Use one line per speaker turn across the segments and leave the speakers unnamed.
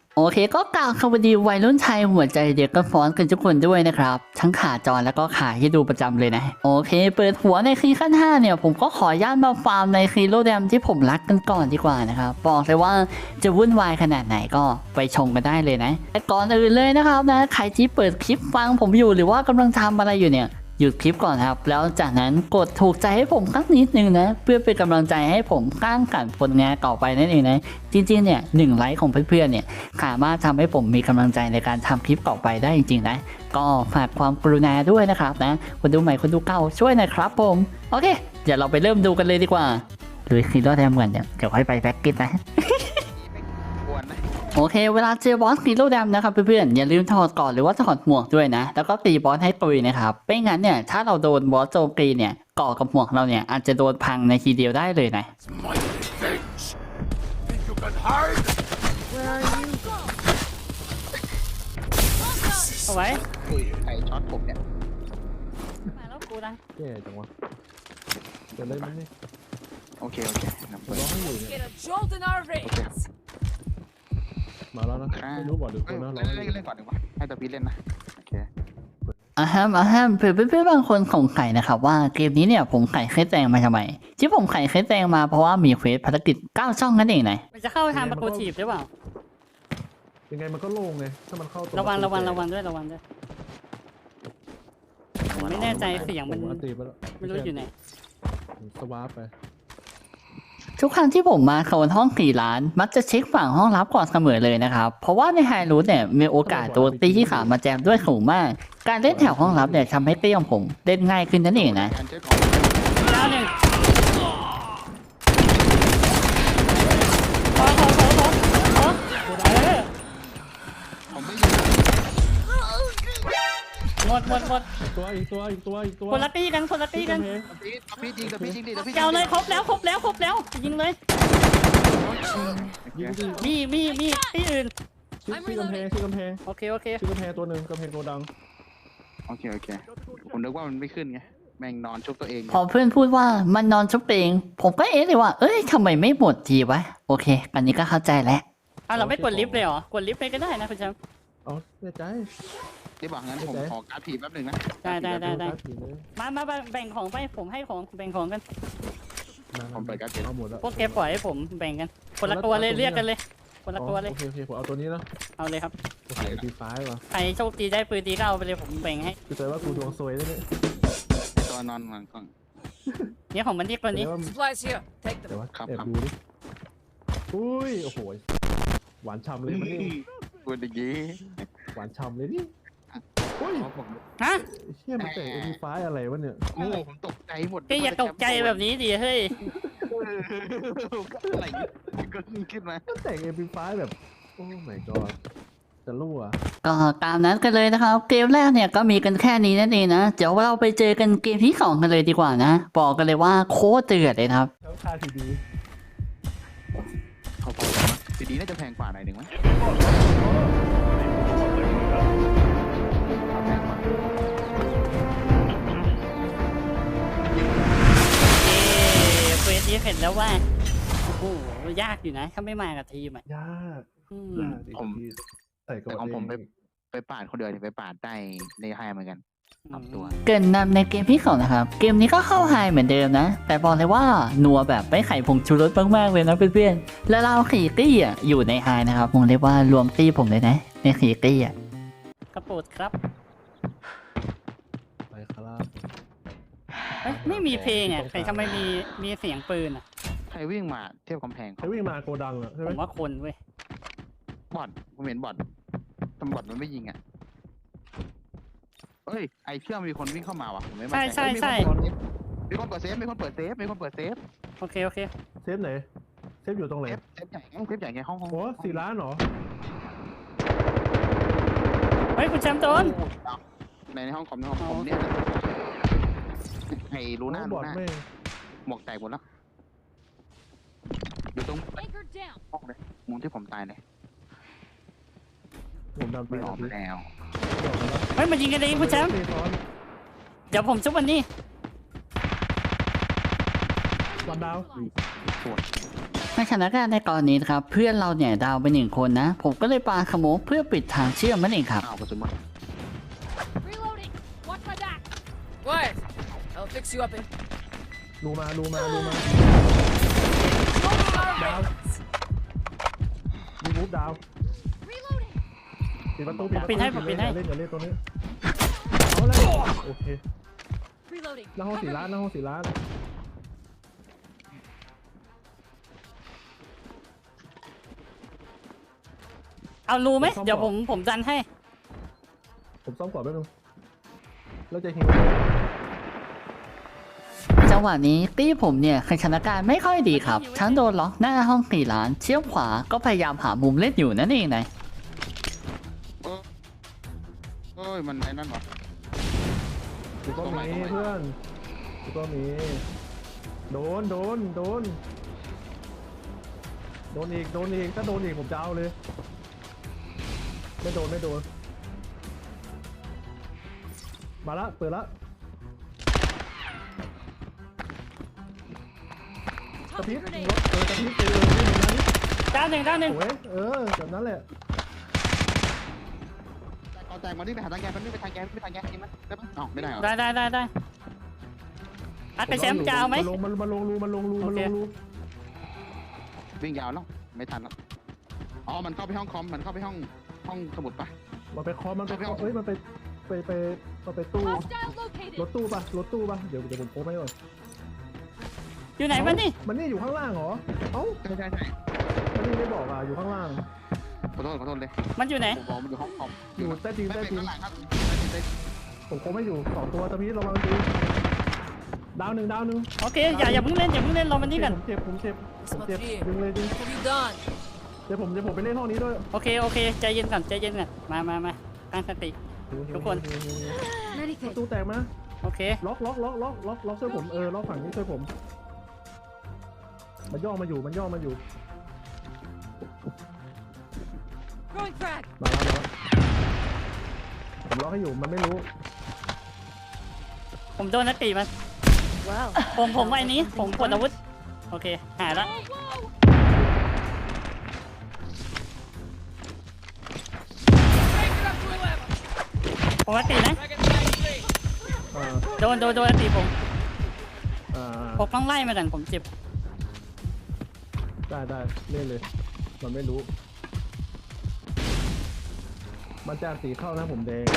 โอเคก็กล่าวสวัสดีวัยรุ่นไทยหัวใจเด็กก็ฟ้อนกันทุกคนด้วยนะครับทั้งขาจรแล้วก็ขาที่ดูประจำเลยนะโอเคเปิดหัวในคีขั้น5เนี่ยผมก็ขออนุญาตมาฟาร์มในคีโรแดมที่ผมรักกันก่อนดีกว่านะครับบอกเลยว่าจะวุ่นวายขนาดไหนก็ไปชมกันได้เลยนะแต่ก่อนอื่นเลยนะครับนะใครที่เปิดคลิปฟังผมอยู่หรือว่ากำลังทำอะไรอยู่เนี่ยหยุดคลิปก่อนครับแล้วจากนั้นกดถูกใจให้ผมสักนิดนึงนะเพื่อเป็นกำลังใจให้ผมสร้างสรรค์ผลงานต่อไปนั่นเองนะจริงๆเนี่ย1 ไลค์ของเพื่อนๆเนี่ยสามารถทำให้ผมมีกำลังใจในการทำคลิปต่อไปได้จริงๆนะก็ฝากความกรุณาด้วยนะครับนะคนดูใหม่คนดูเก่าช่วยหน่อยครับผมโอเคเดี๋ยวเราไปเริ่มดูกันเลยดีกว่าหรือคีโร่แดมก่อนเดี๋ยวค่อยไปแพ็กเกจนะ โอเคเวลาเจอบอสฮีโร่แดมนะครับเพื่อนๆอย่าลืมถอดก่อนหรือว่าถอดหมวกด้วยนะแล้วก็ตีบอสให้ตุยนะครับไม่งั้นเนี่ยถ้าเราโดนบอสโจมตีเนี่ยก่อกับหมวกเราเนี่ยอาจจะโดนพังในทีเดียวได้เลยนะเอาไว้
ใครช็อตผมเนี่ย
มาแล้วกูนะ
แย่จังวะจะได้ไหมเนี่ย
โอเคนับเปิด
ร้องให้อยู่เนี่ย
Get a jolt in our veins.
มาแล้วนะไม่รู้บอกหรือคนนะร้องให้อยู่
เล่นก่อนดีกว่าให้ตะพีเล่นนะโอเค
อ่ะฮะเพื่อนๆบางคนสงสัยนะครับว่าเกมนี้เนี่ยผมไขเคสแดงมาทำไมที่ผมไขเคสแดงมาเพราะว่ามีเควสภารกิจ9 ช่องนั่นเองนะมันจะเข้าทางประตูถีบหรือเปล่า
ยังไงมันก็โล่งไงถ้ามันเข้า
ระวังด้วยผมไม่แน่ใจเสียงมัน
อันตีไปแล้ว
ไม่รู้อยู่ไหน
สวาร์ปไป
ทุกครั้งที่ผมมาโซนห้อง4 ล้านมักจะเช็คฝั่งห้องลับก่อนเสมอเลยนะครับเพราะว่าในไฮรูทเนี่ยมีโอกาสโดนตีที่ขามาแจมด้วยสูงมากการเล่นแถวห้องลับเนี่ยทำให้เตี้ยของผมเล่นง่ายขึ้นนั่นเองนะ
การเช็คของ
แล้วหนึ่ง
ผมไม่ยิง
หมด
อีกตัว
คนละตีกัน
ตะพีจริงตะพีจริงดิตะพี
เจ้าเลยครบแล้วยิงเลย
ยิงดิ
มีตีอื่น
ชื่อกำแพง
โอเค
ชื่อกำแพงตัวหนึ่งกำแพงโกดัง
โอเคผมนึกว่ามันไม่ขึ้นไงแม่งนอนชุบตัวเอง
พอเพื่อนพูดว่ามันนอนชุบเองผมก็เอ๊ะเลยว่าเอ้ยทำไมไม่หมดทีวะโอเคอันนี้ก็เข้าใจแล้วเราไม่กดลิฟต์เลยเหรอกดลิฟต์ไปก็ได้นะคุณแชมป์
เอาแน่ใจ
ที่บอกงั้นผมขอการ์ดผีแป๊บหนึ่งนะ
ได้
ผีเลย
มาแบ่งของไปผมให้ของแบ่งของกัน
ผมเปิดการ์ดผี
เอาหมดแล้ว
พวกแกปล่อยให้ผมแบ่งกันคนละตัวเลยเรียกกันเลยคนละตัวเลย
โอเคผมเอาตัวนี้นะ
เอาเลยครับ
โอเคตีฟ้าว่ะ
ใครโชคดีได้ปืนตีก็เอาไปเลยผมแบ่งให้
คือใจว่ากูดวงซวยได้ไหม
ตัวนอนก่อน
เนี่ยของมันที่คนนี้
Supplies here. Take
แต่
them.
ว่าแอบดูดิอุ้ยโอ้โหหวานฉ่ำเลยมันนี่
พูดอย่างนี้
หวานฉ่ำเลยนี่อุ้ย
ฮะ
เชี่ยมันแต่เอ็มฟ้าอะไรวะเนี่ย
โอ้ผมตกใจหมด
แกอย่าตกใจแบบนี้ดิเฮ้ย
อะไรก็ขึ้นมา
มันแต่งเอ็มฟ้าแบบโอ้ my god จะรั่ว
ก็ตามนั้นกันเลยนะครับเกมแรกเนี่ยก็มีกันแค่นี้นั่นเองนะเดี๋ยวเราไปเจอกันเกมที่2กันเลยดีกว่านะบอกกันเลยว่าโคตรเดือดเลยนะครับ
แล้วค่าทีดี
เขาบอกทีดีน่าจะแพงกว่าหน่อยหนึ่งมั้ยแพงกว่า
เฟสนี้เห็นแล้วว่าโอ้โหยากอยู่นะถ้าไม่มากับทีมอ่ะ
ยาก
อืม
ยากดิใส่ก่อน
แต่ของผมไปปาดคนเดียวไปปาดได้ในไฮเหมือนกันปรับตัว
เกินนำในเกมที่2นะครับเกมนี้ก็เข้าไฮเหมือนเดิมนะแต่บอกเลยว่านัวแบบไม่ไข่ผงชูรสมากๆเลยนะเพื่อนๆแล้วเราขี่ตี้อ่ะอยู่ในไฮนะครับผมเรียกว่ารวมตี้ผมเลยนะในขี่ตี้อ่ะกระโปดครับ
ไปคารา
ไม่มีเพลงอ่ะแต่ทำไมมีเสียงปืนอ่ะ
ใครวิ่งมาเทียบกำแพง
ใครวิ่งมาโกดังอ่ะใช่ไห
ผม มว่าคนเว้ย
บอดผมเห็นบอดทำบอดมันไม่ยิงอ่ะเอ้ยไอเชื่อมีคนวิ่งเข้ามาว่ะผมไม่มั่นใจมีคนเปิดเซฟมีคนเปิดเซฟ
โอเค
เซฟไหนเซฟอยู่ตรงไหน
เซฟใหญ่ไงห้อง
โอ้4 ล้านเหรอ
เฮ้ยคุณแชมป์โดน
ในห้องคอมเนี่ยไอรูหน้า
บอดไม่
หมวกแตกหมดแล้วอยู่ตรง
Anchor down.
ห้องเลยมุมที่ผมตายเลย
ผมดำไป
ไม่ออกแล้ว
เฮ้ยมายิงกันเองคุณแชมป์เดี๋ยวผมชุบวันนี้
วันดาว
สวย
เในสถานการณ์ในกรณีนะครับเพื่อนเราเนี่ยดาวไป1 คนนะ ผมก็เลยปาขโมกเพื่อปิดทางเชื่อมนั่นเองครับ
อ้าวกระสุนหมด
Reloading. Watch my back. Quiet. I'll fix you up in.
รูมา
Smoking our
Down.
veins.
มีบูฟดาว
Reloading.
ปิดประตู
ปิดให้
อย่า
ปิดให้
เล่นตัวนี้เอาเลยโอเค
Reloading.
หน้าห้อง4 ล้านหน้าห้อง4 ล้าน
เอารูไหมเดี๋ยวผมดันให้
ผมซ่อมก่อนแป๊บนึงแล้วจะหิว
จังหวะนี้ตี้ผมเนี่ยสถานการณ์ไม่ค่อยดีครับทั้งโดนล็อกหน้าห้อง4 ล้านเชี่ยวขวาก็พยายามหามุมเล่นอยู่นั่นเองนะ
เอ้ยมันไอ้นั่นวะ
กูก็มีเพื่อนกูก็มีโดนอีกถ้าโดนอีกผมจะเอาเลยไม่โดนมาละเปิดละกระพริ
Tossing
บ
grenade.
กระพริบไปเลยนี่มันนั้น
ด้านหนึ่ง
โอ้ยแบบนั้นแหละ
เอาแตงมานี่ไปหาทางแกมันนี่ไปทางแกจริงมั้ยได้ปะอ๋อไม่ได้เหรอ
ได้อัดไปแชมป์จะเอาไหม
มันลงรู
โอเค
วิ่งยาวแล้วไม่ทันแล้วอ๋อมันเข้าไปห้องคอมมันเข้าไปห้องสมุดปะ
มันไปเคอมันไปตู้
Hostile
รถ
located.
ตู้ปะเดี๋ยวผมโพสให้ก่อน
อยู่ไหนมันนี่
มันนี่อยู่ข้างล่างเหรอเอ้า
ใช่
มันนี่ไม่บอกอ่ะอยู่ข้างล่าง
ขอโทษเลย
มันอยู่ไหน
ผมบอกมันอยู่ห้องคอม
อยู่ใต้ดิน
ไม่
ใต้
เป็น
ดิน
ข้างหลังครับ
ผมโพสไม่อยู่2 ตัวตะพีระวังดีดาวหนึ่ง
โอเคอย่าเพิ่งเล่นรอมันนี่กัน
ผมเจ็บดึงเลย
What have you done?
เดี๋ยวผมไปเล่นห้องนี้ด้วย
โอเคใจเย็นก่อนมาตั้งสติ ทุกคน
ประตูแตกมา
โอเค
ล็อกช่วยผมล็อกฝั่งนี้ช่วยผมมันย่อมาอยู่
Throwing frag.
มาแล้วผมล็อกให้อยู่มันไม่รู้
ผมโดนนักตีมัน
Wow.
ผมไอ้นี้ผมกดอาวุธโอเคหายละ
Whoa, whoa. Break it up to 11.
ผมนักตีนะ
Dragon 93.
อ่า
โดนนักตีผม
อ่า
ผมต้องไล่มากันผมเจ็บ
ได้เล่นเลย มันไม่รู้ มันจากสีเข้านะผมแดง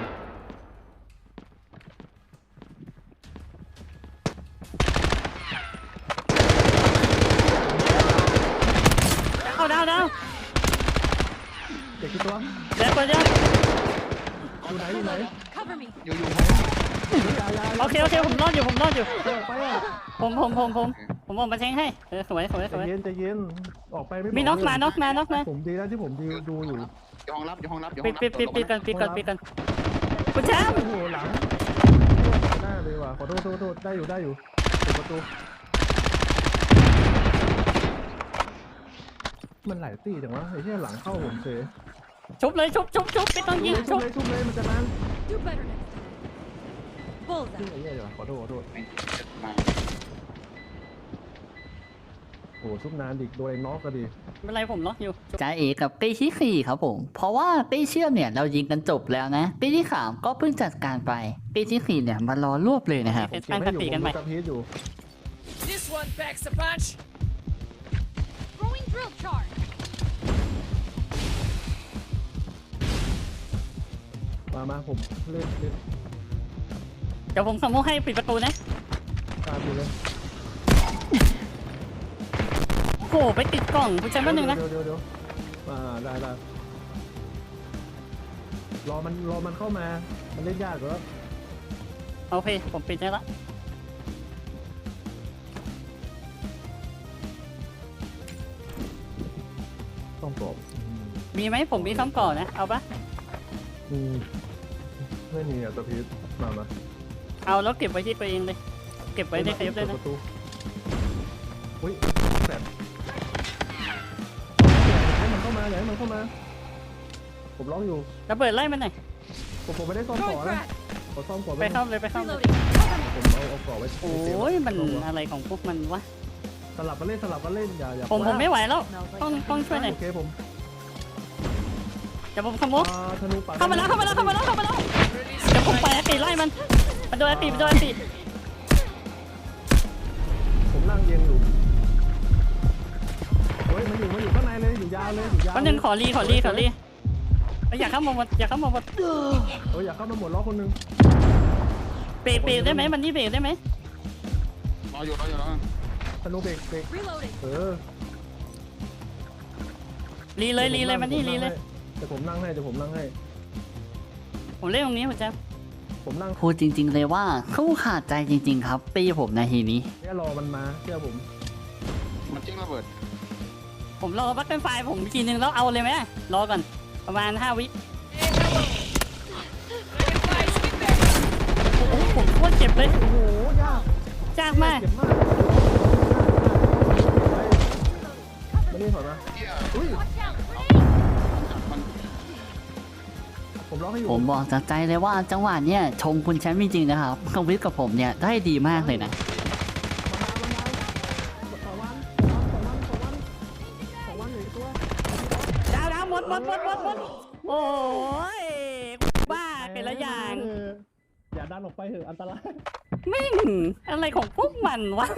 เอาดาว
เด็กกี่ตัว
เดี๋ยว
อยู่ไหน
Cover me.
อยู่
ยา
โอเคผมรอดอยู่
ไปอ่ะ
ผมออกมาแทงให้สวย
ใจเย็นออกไปไม่
มีน็อกมา
ผมดีแล้วที่ผมดูอยู่
ห้องรับอยู่ห้องรับ
ปิดกันคุณแชมป์
โอ้โหหลังหน้าเลยว่ะขอโทษได้อยู่ปิดประตูมันหลายตีจังวะไอ้ที่หลังเข้าผมเฉย
ชุบไม่ต้องยิง
ชุบเลยมันจะนาน
Do better next time. Bullseye.
ไอ้เหี้ยเดี๋ยวขอโทษโอ้ชุบนานดิโดนไอ้น็อกก็ดี
ไม่เป็นไรผมล็อกอยู่จ่าเอกกับตีที่4ครับผมเพราะว่าตีเชื่อมเนี่ยเรายิงกันจบแล้วนะตีที่3ก็เพิ่งจัดการไปตีที่4เนี่ยมารอรวบเลยนะครับตั้งสติกันใหม่
ผมดูอยู่
This one packs a punch. Throwing drill charge.
มาผมเล่น
เดี๋ยวผมขโมยให้ปิดประตูนะ
ตามอยู่เลย
โอ้โหไปติดกล่องคุณแชมป์แป๊บนึงนะ
เดี๋ยวได้รอมันเข้ามามันเล่นยากแล้ว
โอเคผมปิดได้ละ
ต้องกรอบ
มีไหมผมมีคำก่อนนะเอาปะ
ไม่มีอ่ะตะพีชมา
เอาแล้วเก็บไว้ที่ตัวเองเลยเก็บไว้ในเซฟเลยนะ
ประตูอุ้ยแสบให้มันเข้ามาผมล็อกอยู่
ระเบิดไล่มันหน่อย
ผมไม่ได้ซ่อมก่อ
Throwing
นะ
frag.
ขอซ่อมก่อน
ไปเข้าเลย
Reloading. Cover me.
ผมเอาก่อไว้
โอ้ยมันอะไรของพวกมันวะ
สลับกันเล่นอย่า
ผมไม่ไหวแล้วต้องช่วยหน่อย
โอเคผม
เดี๋ยวผมขโมย
ธนูปัด
เข้ามาแล้วเดี๋ยวผมไปอาตีไล่มันโดนอาตี
ผมนั่งเอียงอยู่เฮ้ยมันอยู่ข้างในเลยอยู่ยาวเลย
วันหนึ่งขอรีอยากเข้ามาหมด
เฮ้ยอยากเข้ามาหมดล้อคนนึง
เบรกได้ไหมมันนี่เบรกได้ไหม
รออยู่แล้ว
ธนูเบรก
Reloading.
รีเลยมันนี่รีเลย
แต่ผมนั่งให้
ผมเล่นตรงนี้ผมจะ
ผมนั่ง
พูดจริงๆเลยว่าเขาขาดใจจริงๆครับปีผมนาทีนี้
แค่รอมันมาเชื่อผม
มันจิ้งระเบิด
ผมรอบัคเกิลไฟผมทีนึงแล้วเอาเลยไหมรอก่อนประมาณ5 วิ โอ้โหผมโคตรเจ็บเลย
โอ้โหยาก
มาก
เจ็บมากไม่ได้ถอยมา
เที่ย
อุ้ย
มัน
ผมล็อกให้อยู่
ผมบอกจากใจเลยว่าจังหวะเนี้ยชมคุณแชมป์จริงๆนะครับคอมวิทกับผมเนี่ยได้ดีมากเลยนะ
2 วันอยู่ตัว
ดาวหมดโอ้ยบ้าเป็นละอย่าง
อย่าดันออกไปเถอะอันตราย
มิ่งอะไรของพวกมันวะ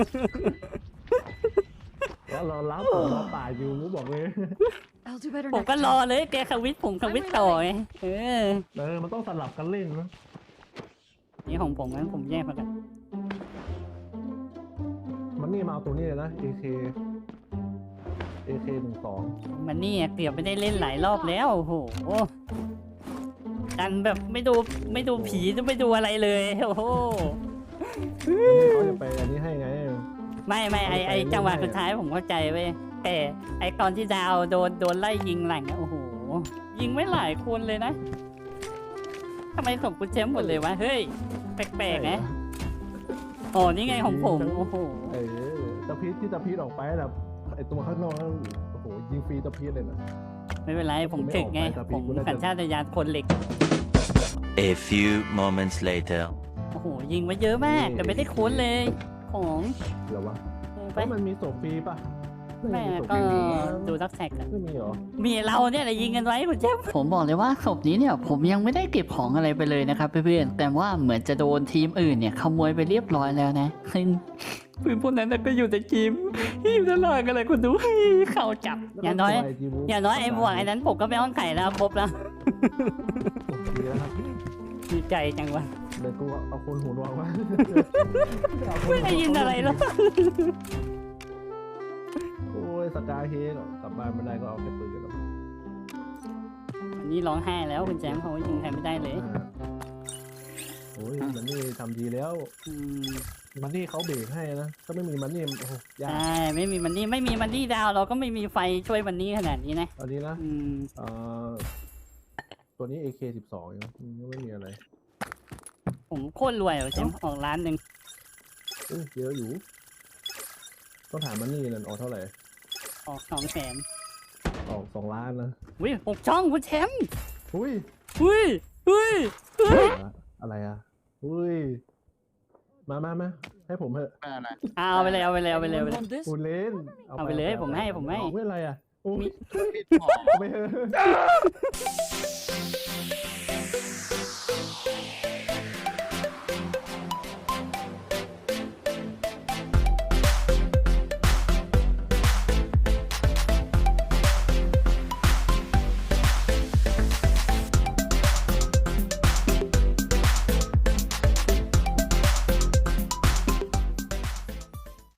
แล้วเรารับผมรอป่าอยู่กูบอกเลย
I'll do better
ผม
next
ก็รอ
time.
เลยแกควิทผมควิทต่อไง
มันต้องสลับกันเล่นนะ
นี่ของผมงั้นผมแยกมากัน
มันนี่มาเอาตัวนี้เลยนะ AK
มันนี่เกือบไม่ได้เล่นหลายรอบแล้วโอ้โหดันแบบไม่ดูผีไม่ดูอะไรเลยโอ้โห
เขาจะไปอันนี้ให้ไง
ไม่ไอจังหวะสุดท้ายผมเข้าใจเว้ยแต่ไอตอนที่ดาวโดนไล่ยิงหลังโอ้โหยิงไม่หลายคนเลยนะทำไมของคุณแชมป์หมดเลยวะเฮ้ยแปลกๆนะโอ้นี่ไงของผมโอ้โห
ตะพีดออกไปแบบไอตัวข้างนอกนั่นโอ้โหยิงฟรีตะพีดเลยนะ
ไม่เป็นไรผมถึกไงผมสัญชาตญาณคนเหล็ก
A few moments later.
โอ้โหยิงไว้เยอะมากแต่ไม่ได้คุ้นเลยของ
เหรอวะ
ไป
มันมีศพฟรีป่ะ
แม่ก็ดูทักแท็ก
ไม่มีเหรอ
มีเราเนี่ยแหละยิงกันไว้คุณเจฟผมบอกเลยว่าศพนี้เนี่ยผมยังไม่ได้เก็บของอะไรไปเลยนะครับเพื่อนๆแต่ว่าเหมือนจะโดนทีมอื่นเนี่ยขโมยไปเรียบร้อยแล้วนะซึ่งปืนพวกนั้นก็อยู่ในทีมอยู่ตลอดกันเลยคุณดูเข้าจับอย่างน้อยไอ้หมวกไอ้นั้นผมก็ไม่อ้อนไข่แล้วครบแล้ว
ดีแล้วครับ
ดีใจจังวะ
เดี๋ยวกูเอาคนหูดวงมา
ไม่ได้ยินอะไรแล้ว
โอ้ยสกายเฮดกลับบ้านไม่ได้ก็เอาแค่ปืนกันแล้ว
อันนี้ร้องไห้แล้วคุณแจมเขายิงใครไม่ได้เลย
โอ้ยมันนี่ทำดีแล้ว
อืม
มันนี่เขาเบรกให้นะถ้าไม่มีมันนี่โอ้โหยาก
ใช่ไม่มีมันนี่ดาวเราก็ไม่มีไฟช่วยมันนี่ขนาดนี้นะ
ตอนนี้นะ
อืม
ตัวนี้ AK12 ยังไม่มีอะไร
ผมโคตรรวยอ่ะแจมออกร้านหนึ่ง
เยอะอยู่ ต้องถามมันนี่นั่นออกเท่าไหร่
ออก200,000
ออก2 ล้านนะ
วิ6 ช่องคุณแชมป์
อุ้ย
อุ้ย
อะไรอ่ะอุ้ยมาให้ผมเถอะ
ไม่อะไร
เอาไปเลย
Want this?
ปูเล่น
เอาไปเลยผมให้
ไม่อะไรอ่ะโอ้ย
พี่บอก
ไม่เถอะ